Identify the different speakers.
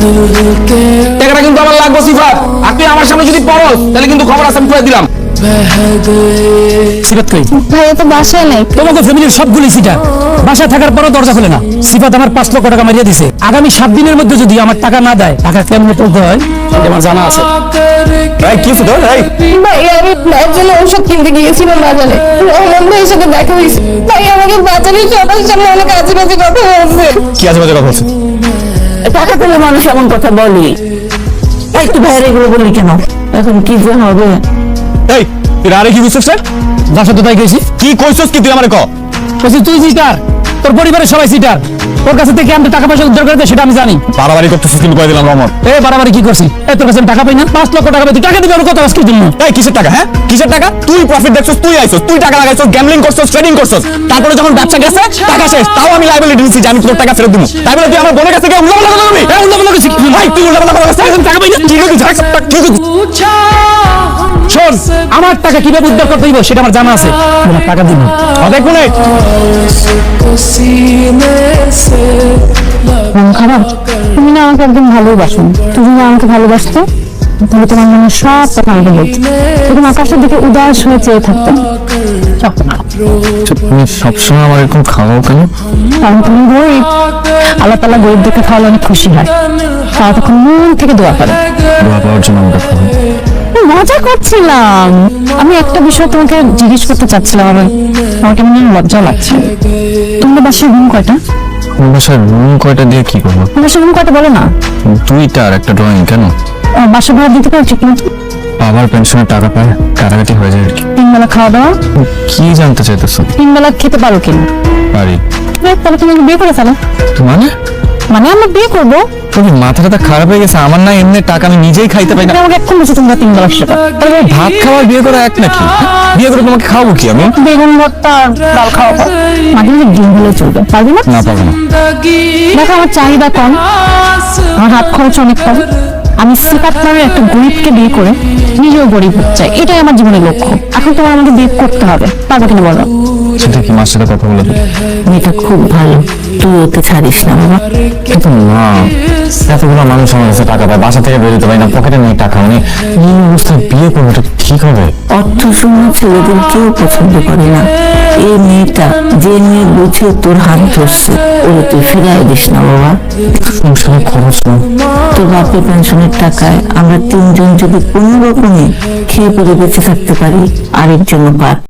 Speaker 1: টাকাটা কিন্তু আমার লাগবে সিফাত, আর তুই আমার সামনে যদি পড়স তাহলে কিন্তু খবর আছে, আমি করে দিলাম। সিফাত কই?
Speaker 2: ভাইয়া তো বাসায় নেই।
Speaker 3: তোমাকে ফ্যামিলির সবগুলি সিটার, বাসায় থাকার পরও দরজা খুলে না। সিফাত আমার 5 লক্ষ টাকা মারিয়ে দিছে। আগামী 7 দিনের মধ্যে যদি আমার টাকা না দেয়, টাকা কেমনে তুলতে হয় এটা আমার জানা আছে।
Speaker 1: ভাই কি হতো ভাই?
Speaker 2: ভাইয়া আমি মায়ের জন্য ওষুধ কিনতে গিয়েছিলাম বাজারে, রহমান ভাইয়ের সাথে দেখা হয়েছে। ভাই আমাকে বাজারে সবার সামনে অনেক আজে বাজে কথা বলছে।
Speaker 1: কি আছে বাজে কথা বলছে?
Speaker 4: টাকা পেলে মানুষ এমন কথা বলি। এই তুই বাইরে এগুলো বললি কেন? এখন কি যে হবে?
Speaker 1: এই তুই আরে কি বুঝছিস?
Speaker 3: বাসা তো তাই গেছি।
Speaker 1: কি কইছস কি তুই আমারে ক?
Speaker 3: বলছি তুই সিটার, তোর পরিবারের সবাই সিটার। তোর কাছে থেকে আমি টাকা পয়সা উদ্ধার করে সেটা আমি জানি।
Speaker 1: বাড়াবাড়ি করতেছিস কিন্তু কই দিলাম রহমান।
Speaker 3: এ বাড়াবাড়ি কি করছিস? তোর কাছে আমি টাকা পাই না? 5 লক্ষ টাকা পাই, তুই টাকা দিবি আর কত আজকের জন্য?
Speaker 1: এই কিসের টাকা? হ্যাঁ কিসের টাকা? তুই প্রফিট দেখছস, তুই আইছস, তুই টাকা লাগাইছস, গ্যাম্বলিং করছস, ট্রেডিং করছস, তারপরে যখন ব্যবসা গেছে টাকা শেষ, তাও আমি লাইবিলিটি নিছি যে আমি তোর টাকা ফেরত দিব। তাই বলে তুই আমার বোনের কাছে গিয়ে উল্লাপাল্লা কথা বলবি?
Speaker 3: এ উল্লাপাল্লা করছিস?
Speaker 1: ভাই তুই উল্লাপাল্লা কথা বলছিস, আমি টাকা পাই না। কি কইছিস? কি কইছিস?
Speaker 3: শোন, আমার টাকা কিভাবে উদ্ধার করতে হইব সেটা আমার জানা আছে। তোমার টাকা দিব।
Speaker 1: অনেক গুণে
Speaker 2: মন খারাপ? তুমি না আমাকে একদম ভালোবাসো। তুমি যদি আমাকে ভালোবাসতো তাহলে তোমার মনে সব কথা আমাকে বলতো। তুমি আকাশের দিকে উদাস হয়ে চেয়ে থাকতো।
Speaker 1: তুমি সবসময় আমার এরকম খাওয়াও কেন?
Speaker 2: কারণ তুমি গরিব। আল্লাহ তাআলা গরিবদেরকে খাওয়ালে অনেক খুশি হয়। তারা তখন মন থেকে দোয়া করে।
Speaker 1: দোয়া পাওয়ার জন্য আমাকে খাওয়াও।
Speaker 2: মজা করছিলাম। আমি একটা বিষয় তোমাকে জিজ্ঞেস করতে চাচ্ছিলাম। আমার কেমন যেন লজ্জা লাগছে। তোমার বাসায় রুম কয়টা?
Speaker 1: বাসার রুম কয়টা দিয়ে কি করবো?
Speaker 2: তোমার বাসায় রুম কয়টা বলো না?
Speaker 1: 2টা আর একটা ড্রয়িং। কেন?
Speaker 2: বাসা ভাড়া দিতে পারো ঠিক মতো?
Speaker 1: বাবার পেনশনের টাকা পায়, কাটাকাটি হয়ে যায় আর কি।
Speaker 2: 3 বেলা খাওয়া দাওয়া?
Speaker 1: কি জানতে চাইতেছো?
Speaker 2: 3 বেলা খেতে পারো কিনা?
Speaker 1: পারি।
Speaker 2: তাহলে তুমি আমাকে বিয়ে করে ফেলো।
Speaker 1: মানে
Speaker 2: মানে আমরা বিয়ে করবো।
Speaker 1: তোর মাথাটা খারাপ হয়ে গেছে? আমার না এমনি টাকা আমি নিজেই খাইতে পাই না।
Speaker 2: তুমি আমাকে এখন বলছো তোমরা 3 বেলা সেটা।
Speaker 1: তাহলে ভাত খাওয়া বিয়ে করা এক নাকি? বিয়ে করে তোমাকে খাওয়াবো কি আমি?
Speaker 2: বেগুন ভর্তা আর ডাল খাওয়াবো। মাঝে মাঝে ডিম হলে চলবে। পারবি না?
Speaker 1: না পাবো না।
Speaker 2: দেখো আমার চাহিদা কম, আমার হাত খরচ অনেক কম। আমি সিফাত নামের একটা গরিবকে বিয়ে করে নিজেও গরিব হতে চাই। এটাই আমার জীবনের লক্ষ্য। এখন তোমার আমাকে বিয়ে করতে হবে। পারবে কিনা বলো?
Speaker 1: সেটা কি মার সাথে কথা বলে দেবো?
Speaker 4: মেয়েটা খুব ভালো, তুই ওকে ছাড়িস না বাবা।
Speaker 1: কিন্তু না, এতগুলো মানুষ আমার কাছে টাকা পায়, বাসা থেকে বেরোতে পারি না, পকেটে নেই টাকা। মানে এই অবস্থায় বিয়ে করবো, এটা ঠিক হবে?
Speaker 4: অর্থ শূন্য ছেলেদের কেউ পছন্দ করে না। এই মেয়েটা যে মেয়ে বুঝে তোর হাত ধরছে, ওরে তুই ফিরাই দিস না বাবা।
Speaker 1: সংসারের খরচ না।
Speaker 4: তোর বাপের পেনশনের টাকায় আমরা 3জন যদি কোনো রকমে খেয়ে পরে বেঁচে থাকতে পারি, আরেকজন পার